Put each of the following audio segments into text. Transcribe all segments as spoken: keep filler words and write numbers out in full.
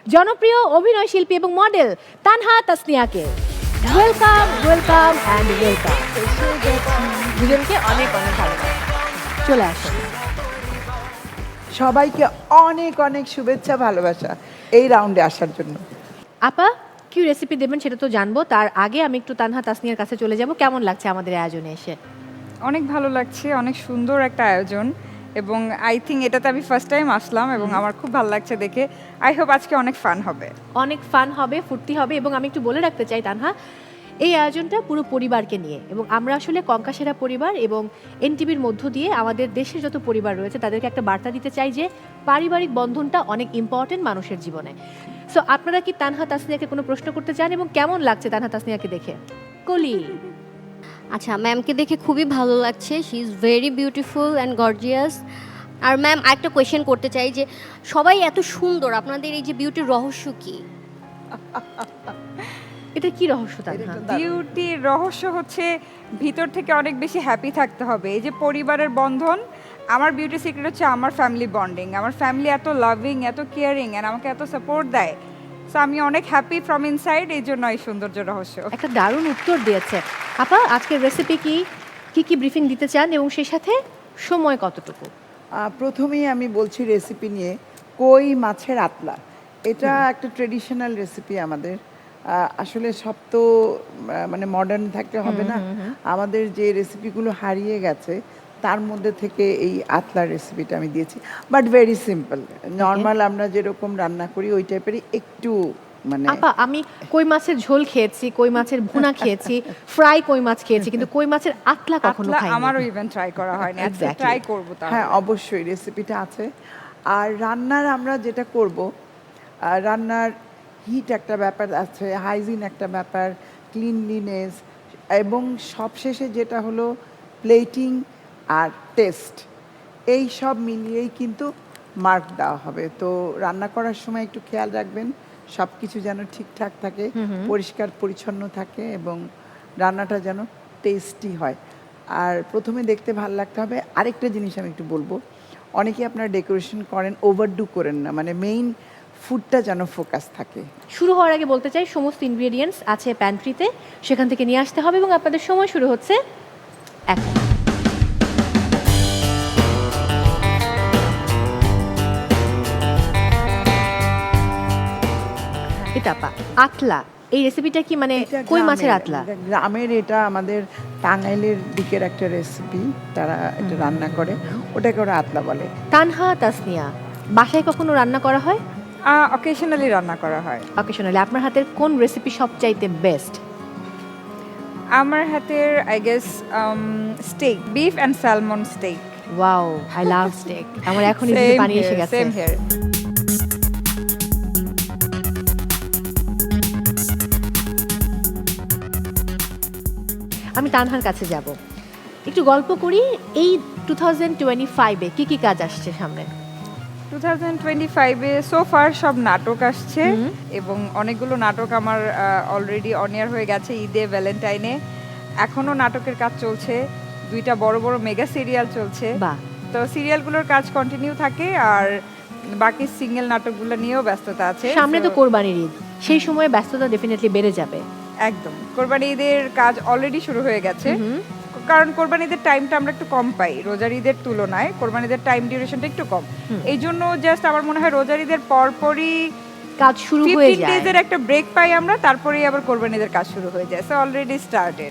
জনপ্রিয় অভিনয় শিল্পী এবং মডেল তানহা তাসনিয়াকে। Welcome welcome and welcome. দুজনকে অনেক অনেক ভালোবাসা। চলে আসুন। সবাইকে অনেক অনেক শুভেচ্ছা ভালোবাসা এই রাউন্ডে আসার জন্য। আপা কি রেসিপি দেবেন সেটা তো জানবো, তার আগে আমি একটু তানহা তাসনিয়ার কাছে চলে যাব। কেমন লাগছে আমাদের আয়োজনে এসে? অনেক ভালো লাগছে, অনেক সুন্দর একটা আয়োজন এবং আই থিঙ্ক এটাতে আমি ফার্স্ট টাইম আসলাম এবং আমার খুব ভালো লাগছে দেখে। আই হোপ আজকে অনেক ফান হবে। অনেক ফান হবে, ফুর্তি হবে। এবং আমি একটু বলে রাখতে চাই তানহা, এই আয়োজনটা পুরো পরিবারকে নিয়ে, এবং আমরা আসলে কঙ্কাসেরা পরিবার এবং এনটিভির মধ্য দিয়ে আমাদের দেশের যত পরিবার রয়েছে তাদেরকে একটা বার্তা দিতে চাই যে পারিবারিক বন্ধনটা অনেক ইম্পর্টেন্ট মানুষের জীবনে। সো আপনারা কি তানহা তাসনিয়াকে কোনো প্রশ্ন করতে চান এবং কেমন লাগছে তানহা তাসনিয়াকে দেখে? কলি আচ্ছা, ম্যামকে দেখে খুবই ভালো লাগছে। She is very beautiful and gorgeous. আর ম্যাম একটা কোয়েশ্চেন করতে চাই যে সবাই এত সুন্দর, আপনাদের এই যে বিউটির রহস্য কি? এটা কি রহস্য তানহা? বিউটির রহস্য হচ্ছে ভিতর থেকে অনেক বেশি হ্যাপি থাকতে হবে। এই যে পরিবারের বন্ধন, আমার বিউটি সিক্রেট হচ্ছে আমার ফ্যামিলি বন্ডিং। আমার ফ্যামিলি এত লাভিং, এত কেয়ারিং অ্যান্ড আমাকে এত সাপোর্ট দেয়। সো আমি অনেক হ্যাপি ফ্রম ইনসাইড, এই জন্য এই সৌন্দর্য রহস্য। একটা দারুণ উত্তর দিয়েছে আপা। আজকের রেসিপি কি, কি কি ব্রিফিং দিতে চান এবং সেই সাথে সময় কতটুকু? আহ, প্রথমেই আমি বলছি রেসিপি নিয়ে, কই মাছের আতলা। এটা একটা ট্রেডিশনাল রেসিপি আমাদের। আহ, আসলে সব তো আহ, মানে মডার্ন থাকতে হবে না, আমাদের যে রেসিপিগুলো হারিয়ে গেছে তার মধ্যে থেকে এই আতলার রেসিপিটা আমি দিয়েছি। বাট ভেরি সিম্পল, নর্মাল আমরা যেরকম রান্না করি ওই টাইপেরই একটু মানে। আপা আমি কই মাছের ঝোল খেয়েছি, কই মাছের ভুনা খেয়েছি, ফ্রাই কই মাছ খেয়েছি, কিন্তু কই মাছের আতলা কখনো আতলা খাইনি। আমারও ইভেন ট্রাই করা হয়নি, আজকে Exactly. ট্রাই করব তাহলে। হ্যাঁ অবশ্যই রেসিপিটা আছে। আর রান্নার আমরা যেটা করব, আহ, রান্নার হিট একটা ব্যাপার আছে, হাইজিন একটা ব্যাপার, ক্লিনলিনেস, এবং সবশেষে যেটা হলো প্লেটিং আর টেস্ট, এই সব মিলিয়েই কিন্তু মার্ক দেওয়া হবে। তো রান্না করার সময় একটু খেয়াল রাখবেন সব কিছু যেন ঠিকঠাক থাকে, পরিষ্কার পরিচ্ছন্ন থাকে এবং রান্নাটা যেন টেস্টি হয়। আর প্রথমে দেখতে ভালো লাগতে হবে। আরেকটা জিনিস আমি একটু বলবো, অনেকে আপনারা ডেকোরেশন করেন, ওভারডু করেন না, মানে মেইন ফুডটা যেন ফোকাস থাকে। শুরু হওয়ার আগে বলতে চাই সমস্ত ইনগ্রেডিয়েন্টস আছে প্যান্ট্রিতে, সেখান থেকে নিয়ে আসতে হবে এবং আপনাদের সময় শুরু হচ্ছে এখন। এটা আপা আতলা, এই রেসিপিটা কি মানে এটা কই মাছের গ্রামের- আতলা? এটা গ্রামের, এটা আমাদের টাঙ্গাইলের দিকের একটা রেসিপি, তারা এটা রান্না করে, ওটাকে ওরা আতলা বলে। তানহা তাসনিয়া, বাসায় কখনো রান্না করা হয়? অকেশনালি রান্না করা হয়। অকেশনালি। আপনার হাতের কোন রেসিপি সবচাইতে বেস্ট? আমার হাতের I guess steak, beef and salmon steak. Wow, I love steak. আমার এখন জিভে পানি এসে গেছে। Same here. আমি তানহার কাছে যাব, একটু গল্প করি। এই টু থাউজেন্ড টোয়েন্টি ফাইভে কী কী কাজ আসছে সামনে? টু থাউজেন্ড টোয়েন্টি ফাইভে সো ফার সব নাটক আসছে এবং অনেকগুলো নাটক আমার অলরেডি অন এয়ার হয়ে গেছে। ঈদে, ভ্যালেন্টাইনে এখনও নাটকের কাজ চলছে। দুইটা বড় বড় মেগা সিরিয়াল চলছে। বাহ, তো সিরিয়ালগুলোর কাজ কন্টিনিউ থাকে আর বাকি সিঙ্গেল নাটকগুলো নিয়েও ব্যস্ততা আছে। সামনে তো So, কোরবানির ঈদ, সেই সময় ব্যস্ততা ডেফিনেটলি বেড়ে যাবে। একদম কোরবানি ঈদের কাজ অলরেডি শুরু হয়ে গেছে, কারণ কোরবানি ঈদের টাইমটা আমরা একটু কম পাই রোজার ঈদের তুলনায়। কোরবানি ঈদের টাইম ডিউরেশনটা একটু কম, এই জন্য জাস্ট আমার মনে হয় রোজার ঈদের পরপরই কাজ শুরু হয়ে ফিফটিন যায়। ডেজের একটা ব্রেক পাই আমরা, তারপরেই আবার কোরবানি ঈদের কাজ শুরু হয়ে যায়। So already started.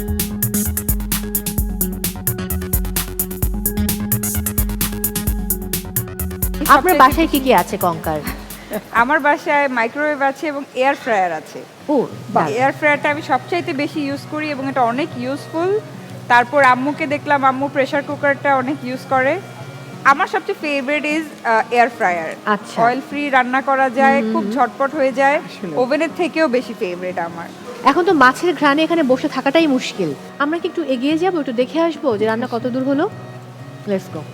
আপনার বাসায় কি কি আছে কঙ্কার? আমার বাসায় মাইক্রোওয়েভ আছে এবং এয়ার ফ্রায়ার আছে। ও বাহ, এয়ার ফ্রায়ারটা আমি সবচাইতে বেশি ইউজ করি এবং এটা অনেক ইউজফুল। তারপর আম্মুকে দেখলাম আম্মু প্রেসার কুকারটা অনেক ইউজ করে। আমার সবচেয়ে ফেভারিট ইজ এয়ার ফ্রায়ার। আচ্ছা। অয়েল ফ্রি রান্না করা যায়, খুব ঝটপট হয়ে যায়, আসলে। ওভেনের থেকেও বেশি ফেভারিট আমার। এখন তো মাছের ঘ্রাণে এখানে বসে থাকাটাই মুশকিল। আমরা কি একটু এগিয়ে যাবো, একটু দেখে আসবো যে রান্না কত দূর হলো? Let's go.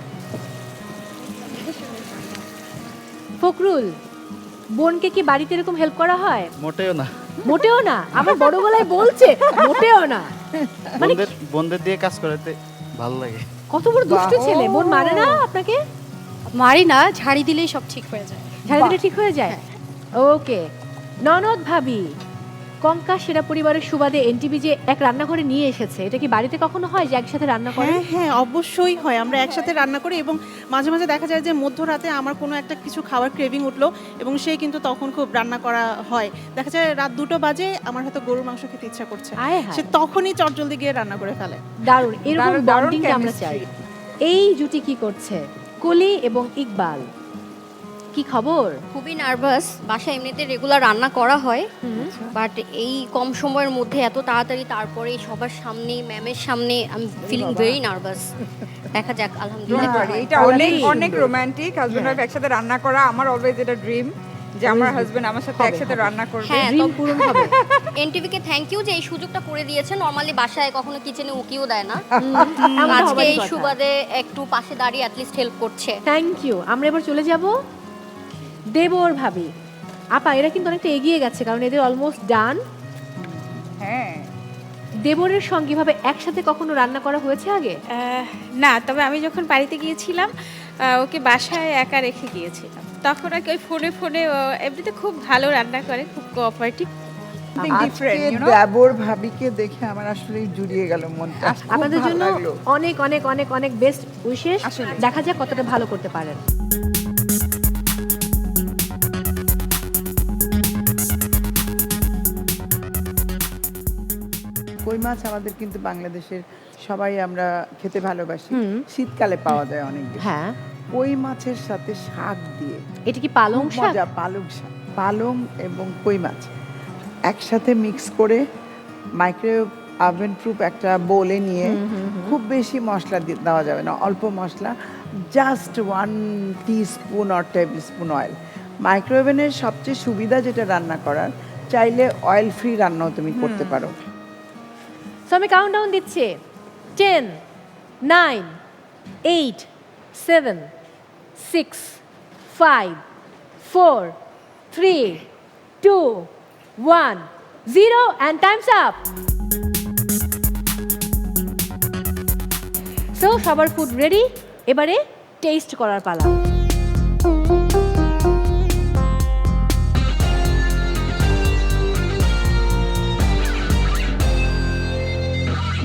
ফখরুল, বোনকে কি বাড়িতে এরকম হেল্প করা হয়? মোটেও না, মোটেও না। আমার বড় গলায় বলছে মোটেও না। মানে বন্ধের বন্ধের দিয়ে কাজ করাতে ভালো লাগে। কত বড় দুষ্ট ছেলে। বোন মারে না আপনাকে? মারি না, ঝাড়ি দিলেই সব ঠিক হয়ে যায়। ঝাড়ি দিলে ঠিক হয়ে যায়? ওকে, ননদ ভাবি, কঙ্কা সেরা পরিবারের সুবাদে এনটিভি যে এক রান্নাঘরে নিয়ে এসেছে, এটা কি বাড়িতে কখনো হয় যে একসাথে রান্না করে? হ্যাঁ হ্যাঁ অবশ্যই হয়, আমরা একসাথে রান্না করি এবং মাঝে মাঝে দেখা যায় যে মধ্যরাতে আমার কোনো একটা কিছু খাওয়ার ক্রেভিং উঠলো এবং সে কিন্তু তখন খুব রান্না করা হয়, দেখা যায় রাত দুটো বাজে আমার হয়তো গরুর মাংস খেতে ইচ্ছা করছে, আয় হায়। সে তখনই চটজলদি গিয়ে রান্না করে ফেলে। দারুণ, এরকম দারুণ, দারুণ বন্ডিংটা আমরা চাই। এই জুটি কি করছে? কলি এবং ইকবাল, কি খবর? খুবই নার্ভাস, বাসায় এমনিতে রেগুলার রান্না করা হয়, হুম। বাট এই কম সময়ের মধ্যে এত তাড়াতাড়ি তারপরে সবার সামনে ম্যামের সামনে আমি ফিলিং ভেরি নার্ভাস। দেখা যাক, আলহামদুলিল্লাহ। Don't worry, এটা তাহলে অনেক কি অনেক সুন্দর। রোমান্টিক। হাজবেন্ড ওয়াইফ একসাথে রান্না করা আমার অলওয়েজ এটা ড্রিম, যে আমার হাজবেন্ড আমার সাথে হবে, একসাথে হবে। রান্না করবে। হ্যাঁ, ড্রিম পূরণ হবে। এনটিভিকে থ্যাংক ইউ যে এই সুযোগটা করে দিয়েছে। নর্মালি বাসায় কখনো কিচেনে উকিও দেয় না, এমন আজকে হবারই এই কথা। সুবাদে একটু পাশে দাঁড়িয়ে অ্যাটলিস্ট হেল্প করছে। Thank you. আমরা এবার চলে যাব দেবর ভাবি। আপা, এরা কিন্তু অনেকটা এগিয়ে গেছে, কারণ এদের অলমোস্ট ডান। হ্যাঁ, দেবরের সঙ্গে ভাবে একসাথে কখনো রান্না করা হয়েছে আগে? আহ, না, তবে আমি যখন বাড়িতে গিয়েছিলাম আহ, ওকে বাসায় একা রেখে গিয়েছিলাম, তখন আর কি ওই ফোনে ফোনে ও এমনিতে খুব ভালো রান্না করে, খুব কোঅপারেটিভ। something different, আজকে you know? দেবর ভাবিকে দেখে আমার আসলে জুড়িয়ে গেল মনটা, খুব আপনাদের ভালো জন্য লাগলো। অনেক অনেক অনেক অনেক বেস্ট উইশেস। আসলে। দেখা যাক কতটা ভালো করতে পারেন। কই মাছ আমাদের কিন্তু বাংলাদেশের সবাই আমরা খেতে ভালোবাসি, হুম। শীতকালে পাওয়া যায় অনেক বেশি। হ্যাঁ, কই মাছের সাথে শাক দিয়ে এটা কি পালং খুব শাক? মজা, পালং শাক, পালং এবং কই মাছ একসাথে মিক্স করে মাইক্রোওয়েভ ওভেন প্রুফ একটা বোলে নিয়ে, খুব বেশি মশলা দি- দেওয়া যাবে না, অল্প মশলা, just one teaspoon or tablespoon oil. মাইক্রোওভেনের সবচেয়ে সুবিধা যেটা রান্না করার, চাইলে অয়েল ফ্রি রান্নাও তুমি করতে পারো। সো আমি কাউন্টডাউন দিচ্ছি। Ten, nine, eight, seven, six, five, four, three, two, one, zero, and time's up. So সবার ফুড রেডি, এবারে টেস্ট করার পালা।